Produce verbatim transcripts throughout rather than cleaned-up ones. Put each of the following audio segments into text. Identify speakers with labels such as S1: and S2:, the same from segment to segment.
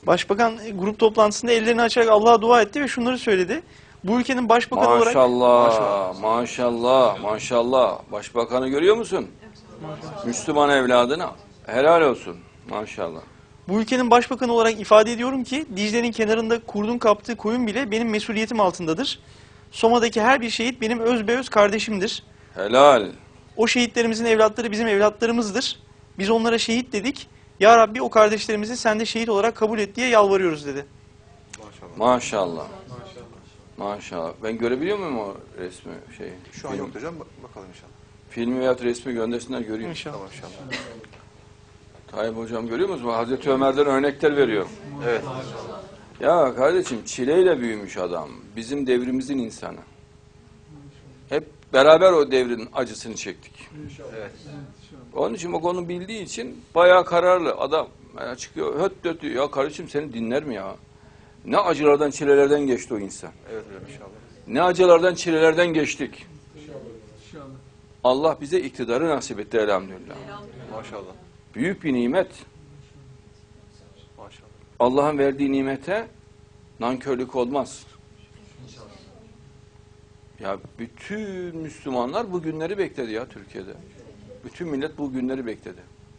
S1: Başbakan grup toplantısında ellerini açarak Allah'a dua etti ve şunları söyledi. Bu ülkenin başbakanı olarak...
S2: Maşallah, maşallah, maşallah. Başbakanı görüyor musun? Maşallah. Müslüman evladına. Helal olsun. Maşallah.
S1: Bu ülkenin başbakanı olarak ifade ediyorum ki Dicle'nin kenarında kurdun kaptığı koyun bile benim mesuliyetim altındadır. Soma'daki her bir şehit benim özbeöz kardeşimdir.
S2: Helal.
S1: O şehitlerimizin evlatları bizim evlatlarımızdır. Biz onlara şehit dedik. Ya Rabbi o kardeşlerimizi sen de şehit olarak kabul et diye yalvarıyoruz dedi.
S2: Maşallah. Maşallah. Maşallah. Ben görebiliyor muyum o resmi şeyi?
S3: Şu an yok hocam. Bakalım inşallah.
S2: Filmi veya resmi göndersinler göreyim.
S1: İnşallah.
S3: Tamam inşallah.
S2: Tayyip hocam görüyor musunuz? Hazreti Ömer'den örnekler veriyor.
S3: Evet.
S2: Ya kardeşim çileyle büyümüş adam. Bizim devrimizin insanı. Hep beraber o devrin acısını çektik.
S3: Evet.
S2: Onun için bak onu bildiği için bayağı kararlı. Adam çıkıyor höt döt diyor. Ya kardeşim seni dinler mi ya? Ne acılardan çilelerden geçti o insan.
S3: Evet hocam inşallah.
S2: Ne acılardan çilelerden geçtik. Allah bize iktidarı nasip etti elhamdülillah.
S3: Maşallah.
S2: Büyük bir nimet.
S3: Maşallah.
S2: Allah'ın verdiği nimete nankörlük olmaz. Ya bütün Müslümanlar bu günleri bekledi ya Türkiye'de. Bütün millet bu günleri bekledi.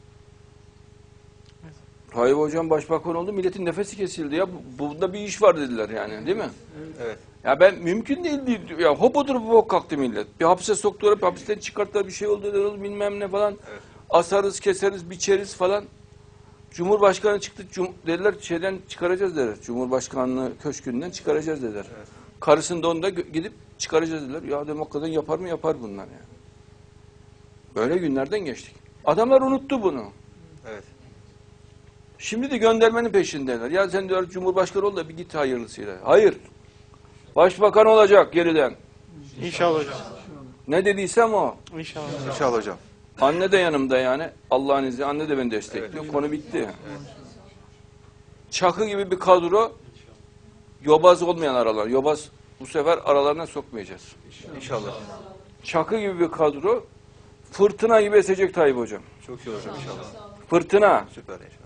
S2: Tayyip hocam başbakan oldu, milletin nefesi kesildi ya. Bunda bir iş var dediler yani, değil mi?
S3: Evet.
S2: Ya ben mümkün değil, değil. Ya hop oturup hop kalktı millet. Bir hapse soktular, bir hapisten çıkarttılar, bir şey oldu dedi, bilmem ne falan.
S3: Evet.
S2: Asarız, keseriz, biçeriz falan. Cumhurbaşkanı çıktı, cum dediler şeyden çıkaracağız dediler. Cumhurbaşkanlığı köşkünden çıkaracağız dediler.
S3: Evet.
S2: Karısını da onu da gidip çıkaracağız dediler. Ya demokratdan yapar mı yapar bunlar ya. Böyle günlerden geçtik. Adamlar unuttu bunu.
S3: Evet.
S2: Şimdi de göndermenin peşindeler. Ya sen diyor Cumhurbaşkanı ol da bir git hayırlısıyla. Hayır. Başbakan olacak geriden.
S1: İnşallah hocam.
S2: Ne dediysem o.
S1: İnşallah.
S3: İnşallah hocam.
S2: Anne de yanımda yani. Allah'ın izniyle anne de beni destekliyor.
S3: Evet.
S2: Konu bitti.
S3: Evet.
S2: Çakı gibi bir kadro, yobaz olmayan aralar. Yobaz bu sefer aralarına sokmayacağız.
S3: İnşallah.
S2: Çakı gibi bir kadro, fırtına gibi esecek Tayyip hocam.
S3: Çok iyi hocam inşallah.
S2: Fırtına.
S3: Süper inşallah.